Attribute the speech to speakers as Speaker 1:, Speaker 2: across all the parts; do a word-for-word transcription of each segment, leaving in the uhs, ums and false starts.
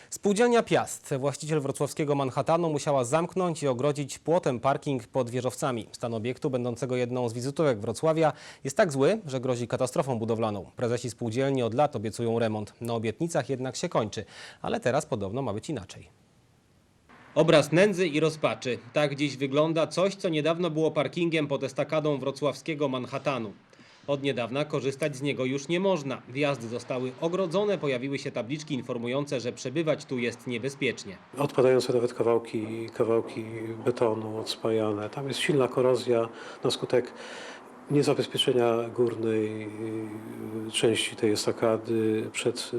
Speaker 1: Spółdzielnia Piast, właściciel wrocławskiego Manhattanu, musiała zamknąć i ogrodzić płotem parking pod wieżowcami. Stan obiektu, będącego jedną z wizytówek Wrocławia, jest tak zły, że grozi katastrofą budowlaną. Prezesi spółdzielni od lat obiecują remont. Na obietnicach jednak się kończy, ale teraz podobno ma być inaczej. Obraz nędzy i rozpaczy. Tak dziś wygląda coś, co niedawno było parkingiem pod estakadą wrocławskiego Manhattanu. Od niedawna korzystać z niego już nie można. Wjazdy zostały ogrodzone, pojawiły się tabliczki informujące, że przebywać tu jest niebezpiecznie.
Speaker 2: Odpadające nawet kawałki, kawałki betonu odspajane. Tam jest silna korozja na skutek niezabezpieczenia górnej części tej estakady przed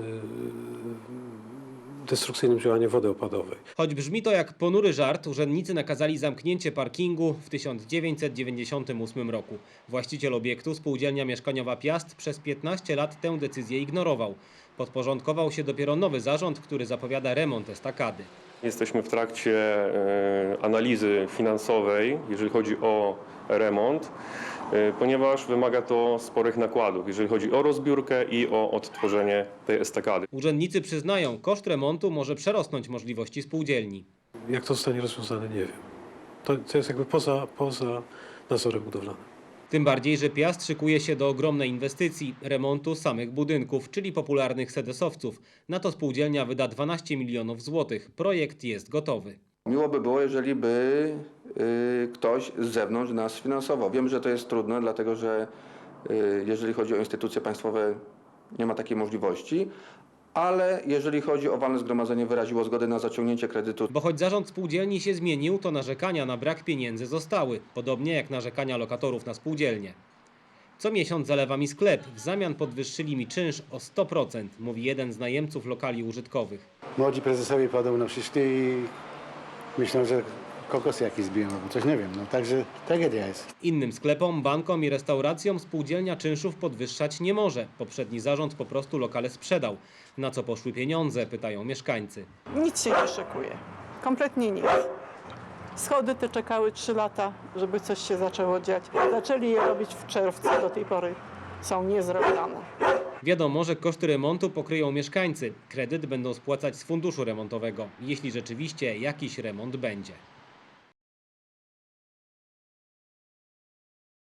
Speaker 2: destrukcyjnym działaniem wody opadowej.
Speaker 1: Choć brzmi to jak ponury żart, urzędnicy nakazali zamknięcie parkingu w tysiąc dziewięćset dziewięćdziesiątym ósmym roku. Właściciel obiektu, spółdzielnia mieszkaniowa Piast, przez piętnaście lat tę decyzję ignorował. Podporządkował się dopiero nowy zarząd, który zapowiada remont estakady.
Speaker 3: Jesteśmy w trakcie analizy finansowej, jeżeli chodzi o remont, ponieważ wymaga to sporych nakładów, jeżeli chodzi o rozbiórkę i o odtworzenie tej estakady.
Speaker 1: Urzędnicy przyznają, koszt remontu może przerosnąć możliwości spółdzielni.
Speaker 2: Jak to zostanie rozwiązane, nie wiem. To, to jest jakby poza, poza nadzorem budowlanym.
Speaker 1: Tym bardziej, że Piast szykuje się do ogromnej inwestycji, remontu samych budynków, czyli popularnych sedesowców. Na to spółdzielnia wyda dwanaście milionów złotych. Projekt jest gotowy.
Speaker 4: Miło by było, jeżeli by y, ktoś z zewnątrz nas finansował. Wiem, że to jest trudne, dlatego że y, jeżeli chodzi o instytucje państwowe, nie ma takiej możliwości, ale jeżeli chodzi o walne zgromadzenie, wyraziło zgodę na zaciągnięcie kredytu.
Speaker 1: Bo choć zarząd spółdzielni się zmienił, to narzekania na brak pieniędzy zostały, podobnie jak narzekania lokatorów na spółdzielnię. Co miesiąc zalewa mi sklep, w zamian podwyższyli mi czynsz o sto procent, mówi jeden z najemców lokali użytkowych.
Speaker 5: Młodzi prezesowie podobno przyszli i myślą, że kokosy jakieś zbiją, albo coś, nie wiem. No, także tragedia jest.
Speaker 1: Innym sklepom, bankom i restauracjom spółdzielnia czynszów podwyższać nie może. Poprzedni zarząd po prostu lokale sprzedał. Na co poszły pieniądze, pytają mieszkańcy.
Speaker 6: Nic się nie szykuje. Kompletnie nic. Schody te czekały trzy lata, żeby coś się zaczęło dziać. Zaczęli je robić w czerwcu, do tej pory są niezrobione.
Speaker 1: Wiadomo, że koszty remontu pokryją mieszkańcy. Kredyt będą spłacać z funduszu remontowego, jeśli rzeczywiście jakiś remont będzie.